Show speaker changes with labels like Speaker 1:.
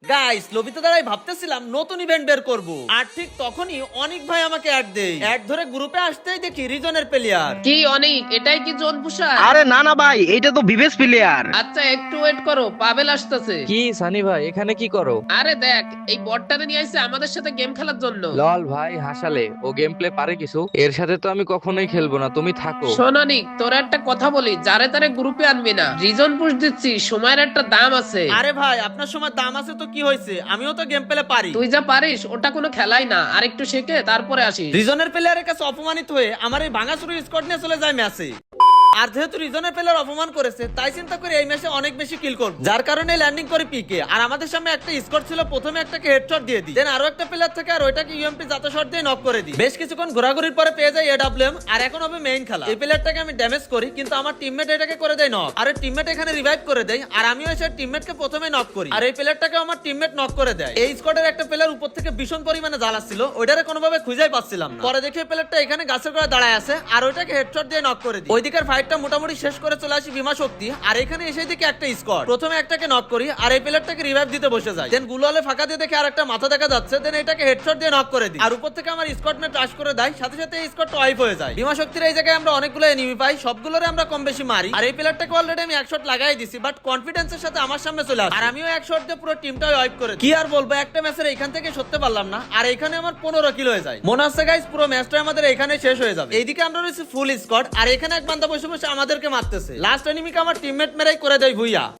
Speaker 1: Guys লবিতে দাঁড়াই ভাবতেছিলাম নতুন ইভেন্ট বের করব, আর ঠিক তখনই অনেক ভাই আমাকে অ্যাড দেয়। অ্যাড ধরে গ্রুপে আসতেই দেখি রিজনের প্লেয়ার।
Speaker 2: কি অনেক, এটাই কি জোন পুষার?
Speaker 3: আরে না না ভাই, এইটা তো বিবেশ প্লেয়ার।
Speaker 2: আচ্ছা একটু ওয়েট করো, পাবেল আসতেছে।
Speaker 4: কি সানি ভাই এখানে কি করো?
Speaker 2: আরে দেখ, এই বটটারে নিয়ে আইছে আমাদের সাথে গেম খেলার জন্য।
Speaker 4: লল ভাই হাসালে, ও গেম প্লে পারে কিছু? এর সাথে তো আমি কখনোই খেলবো না, তুমি থাকো।
Speaker 2: শোন অনিক, তোর একটা কথা বলি, যারে তারে গ্রুপে আনবি না। রিজন পুশ দিচ্ছি, সময়ের একটা দাম আছে।
Speaker 1: আরে ভাই আপনার সময় দাম আছে তো কি হয়েছে, আমিও তো গেম প্লে পারি।
Speaker 2: তুই যা পারিস ওটা কোনো খেলাই না, আর একটু শেখে তারপরে আসিস।
Speaker 1: রিজনের প্লেয়ারের কাছে অপমানিত হয়ে আমার এই ভাঙাচুরি স্কোয়াড নিয়ে চলে যায় ম্যাচে। আর যেহেতু রিজনের প্লেয়ার অপমান করেছে, তাই চিন্তা করে এই ম্যাচে অনেক বেশি কিল করব, যার কারণে ল্যান্ডিং করে পিকে। আর আমাদের সামনে একটা স্কোর ছিল, প্রথমে একটাকে হেডশট দিয়ে দিই, দেন আরো একটা প্লেয়ার থেকে আর ওইটাকে ইউএমপি জাতা শট দিয়ে নক করে দিই। বেশ কিছুক্ষণ ঘোরাঘুরির পরে পেয়ে যাই এডব্লিউএম, আর এখন হবে মেইন খেলা। এই প্লেয়ারটাকে আমি ড্যামেজ করি, কিন্তু আমার টিমমেট এটাকে করে দেয় নক, আর টিমমেট এখানে রিভাইভ করে দেয়, আর আমিও এসে টিমমেটকে প্রথমে নক করি, আর এই প্লেয়ারটাকে আমার টিমমেট নক করে দেয়। এই স্কোয়াডের একটা প্লেয়ার উপর থেকে ভীষণ পরিমাণে জ্বালাচ্ছিল, ওইটারে কোনোভাবে খুঁজেই পাচ্ছিলাম না। পরে দেখি এই প্লেয়ারটা এখানে গাছের গোড়ায় দাঁড়ায় আছে, আর ওইটাকে হেডশট দিয়ে নক করে দিই। ওইদিকের ফাইটটা মোটামুটি শেষ করে চলে আসি বিমা শক্তি, আর এখানে এসে দেখি একটা স্কোয়াড। প্রথমে একটাকে নক করি, আর এই প্লেয়ারটাকে রিভাইভ দিতে বসে যায়, দেন গুলোলে ফাঁকা দিয়ে দেখে আর একটা মাথা দেখা যাচ্ছে, দেন এটাকে হেডশট দিয়ে নক করে দিই, আর উপর থেকে আমার স্কোয়াড মেট রাশ করে দেয়, সাথে সাথে এই স্কোয়াডটা ওয়াইপ হয়ে যায়। বিমা শক্তির এই জায়গায় আমরা অনেকগুলো এনিমি পাই, সবগুলোরে আমরা কম বেশি মারি, আর এই প্লেয়ারটাকে অলরেডি আমি এক শট লাগাই দিছি, বাট কনফিডেন্সের সাথে আমার সামনে চলে আসে, আর আমিও এক শট দিয়ে পুরো টিমটা ওয়াইপ করে দিই। কি আর বলবো, একটা ম্যাচের এখান থেকে সরতে পারলাম না, আর এখানে আমার 15 কিল হয়ে যায়। মনে হচ্ছে গাইস পুরো ম্যাচটা আমাদের এখানে শেষ হয়ে যাবে। এইদিকে আমরা রয়েছি ফুল স্কোয়াড, আর এখানে এক বান্দা বসে বসে আমাদেরকে মারতেছে। লাস্ট এনিমিকে আমার টিমমেট মেরাই করে দেয় ভুইয়া।